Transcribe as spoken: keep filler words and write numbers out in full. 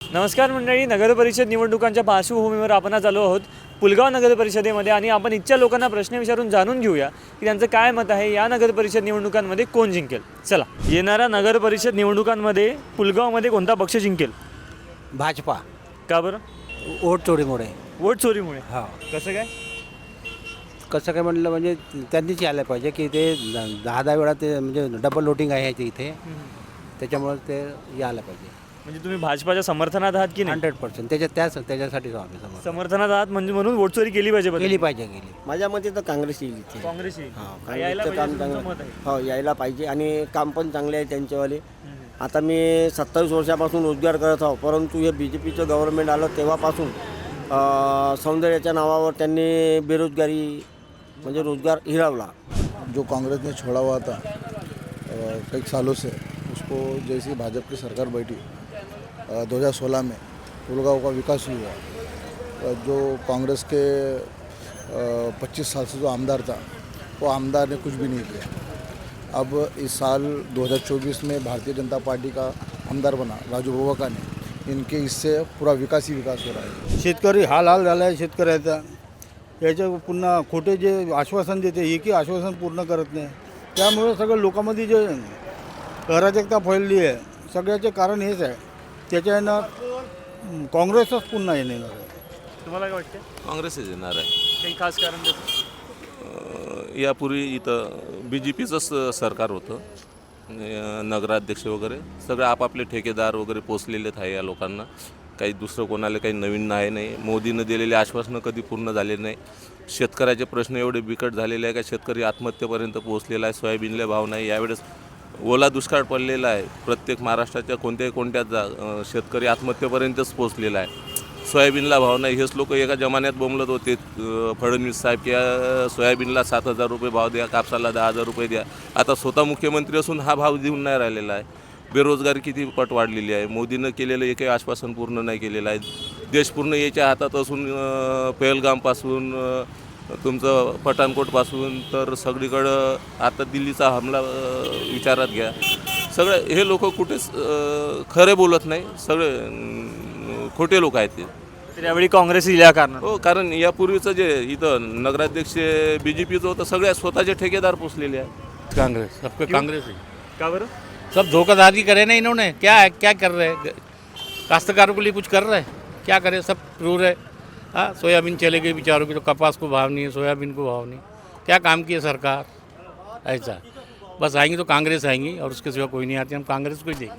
नमस्कार मंडळी, नगर परिषद निवडणुकांच्या पार्श्वभूमीवर आपण आज आलो आहोत पुलगाव नगर परिषदेमध्ये आणि आपण इथच्या लोकांना प्रश्न विचारून जाणून घेऊया की त्यांचं काय मत आहे या नगर परिषद निवडणुकांमध्ये कोण जिंकेल. चला, येणाऱ्या नगर परिषद निवडणुकांमध्ये पुलगावमध्ये कोणता पक्ष जिंकेल? भाजपा. का बरं? वोट चोरीमुळे. वोट चोरीमुळे? हा. कसं काय? कसं काय म्हटलं म्हणजे त्यांनीच यायला पाहिजे की ते दहा दहा वेळा ते म्हणजे डबल वोटिंग आहे ते इथे, त्याच्यामुळे ते यायला पाहिजे. म्हणजे तुम्ही भाजपाच्या समर्थनात आहात की नाही? हंड्रेड पर्सेंट त्याच्या त्याच त्याच्यासाठीच आम्ही समोर समर्थनात आहात म्हणजे म्हणून वोट चोरी केली पाहिजे. केली पाहिजे गेली. माझ्या मते तर काँग्रेस येईल इथे. काँग्रेस येईल. हा, यायला काँग्रेसचं पाहिजे काम तुमचं मत चांगलं आहे. हो यायला पाहिजे आणि काम पण चांगले आहे त्यांच्यावाले. आता मी सत्तावीस वर्षापासून रोजगार करत आहो, परंतु हे बी जे पीचं गव्हर्नमेंट आलं तेव्हापासून अं, सौंदर्याच्या नावावर त्यांनी बेरोजगारी म्हणजे रोजगार हिरावला. जो कांग्रेस ने छोड़ा हुआ था अ, कई सालों से, उसको जैसी भाजपा की सरकार बैठी दो हज़ार सोलह में पुलगांव का विकास हुआ. अ, जो कांग्रेस के पच्चीस साल से जो आमदार था वो आमदार ने कुछ भी नहीं किया. अब इस साल दो हज़ार चौबीस में भारतीय जनता पार्टी का आमदार बना राजू बोवका ने, इनके इससे पूरा विकास ही विकास हो रहा है. शेतकरी हाल हाल झाला आहे शेतकऱ्याचा. याच्या पुन्हा खोटे जे आश्वासन देते एकही आश्वासन पूर्ण करत नाही. त्यामुळे सगळं लोकांमध्ये जे अराजकता फैलली आहे सगळ्याचे कारण हेच आहे. त्याच्यानं काँग्रेसच पुन्हा येणार आहे. तुम्हाला काय वाटतं? काँग्रेसच येणार आहे. काही खास कारण त्याचं? अ, यापूर्वी इथं बी जे पीचंच सरकार होतं. अ, नगराध्यक्ष वगैरे सगळे आपापले ठेकेदार वगैरे पोचलेलेच आहे या लोकांना. काही दुसरं कोणाला काही नवीन नाही नाही मोदीनं दिलेले आश्वासनं कधी पूर्ण झाले नाही. शेतकऱ्याचे प्रश्न एवढे बिकट झालेले आहे का शेतकरी आत्महत्येपर्यंत पोहोचलेला आहे. सोयाबीनला भाव नाही. यावेळेस ओला दुष्काळ पडलेला आहे. प्रत्येक महाराष्ट्राच्या कोणत्याही कोणत्या जा अ, शेतकरी आत्महत्येपर्यंतच पोहोचलेला आहे. सोयाबीनला भाव नाही. हेच लोक एका जमान्यात बोंबलत होते अ, फडणवीस साहेब की अ, सोयाबीनला सात हजार रुपये भाव द्या, कापसाला दहा हजार रुपये द्या. आता स्वतः मुख्यमंत्री असून हा भाव देऊन नाही राहिलेला आहे. बेरोजगारी किती पट वाढलेली आहे. मोदीनं केलेलं एकही आश्वासन पूर्ण नाही केलेलं आहे. देश पूर्ण याच्या हातात असून अ, पहलगामपासून अ, तुमचं पठाणकोटपासून तर सगळीकडं आता दिल्लीचा हमला अ, विचारात घ्या. सगळे हे लोक कुठेच अ, खरे बोलत नाही. सगळे अ, खोटे लोक आहेत ते. तर यावेळी काँग्रेस येईल या कारणानं. हो, कारण यापूर्वीचं जे इथं नगराध्यक्ष बी जे पीचं होतं सगळ्या स्वतःचे ठेकेदार पोचलेले आहेत. कांग्रेस सबके कांग्रेस ही. का बरं? सब धोखाधड़ी करे ना इन्होंने. क्या है क्या कर रहे हैं काश्तकारों के लिए? कुछ कर रहे हैं क्या करे? सब क्रूर है. हाँ, सोयाबीन चले गई बेचारों की, तो कपास को भाव नहीं है, सोयाबीन को भाव नहीं. क्या काम किए सरकार? ऐसा बस आएंगी तो कांग्रेस आएंगी और उसके सिवा कोई नहीं आती. हम कांग्रेस को ही देंगे.